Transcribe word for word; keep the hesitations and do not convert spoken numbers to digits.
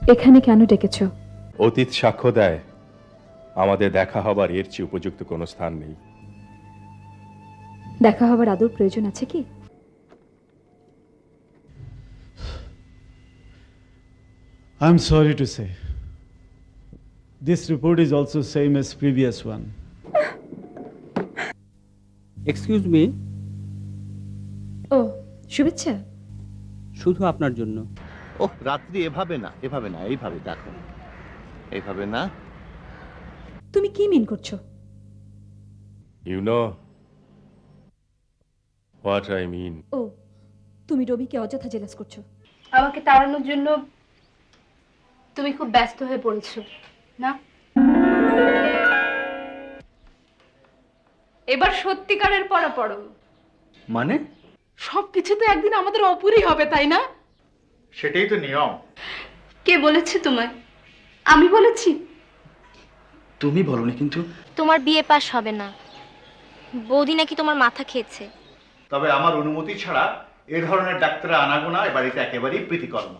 এখানে কেন ডেকেছো? অতীত সাক্ষ্য দেয় আমাদের দেখা হবার এর চেয়ে উপযুক্ত কোনো স্থান নেই। দেখা হবার আদৌ প্রয়োজন আছে কি? I'm sorry to say. This report is also same as previous one. Excuse me, ও, শুভেচ্ছা। শুধু আপনার জন্য। ওহ, রাত্রি এভাবে না, এভাবে না, এইভাবে দেখো, এইভাবে না। তুমি কি মিন করছো? You know what I mean. ও, তুমি রবিকে অযথা জেলাস করছো। আমাকে তাড়ানোর জন্য তুমি খুব ব্যস্ত হয়ে পড়েছো না? এবার সত্যিকারের পড়া পড়ো। মানে? সবকিছু তো একদিন আমাদের অপুরই হবে, তাই না? সেটাই তো নিয়ম। কে বলেছে তোমায়? আমি বলেছি? তুমি বলনি কিন্তু। তোমার বিয়ে পাস হবে না, বৌদি নাকি তোমার মাথা খেয়েছে। তবে আমার অনুমতি ছাড়া এ ধরনের ডাক্তার আনাগোনা এ বাড়িতে একেবারেই প্রীতিকর না।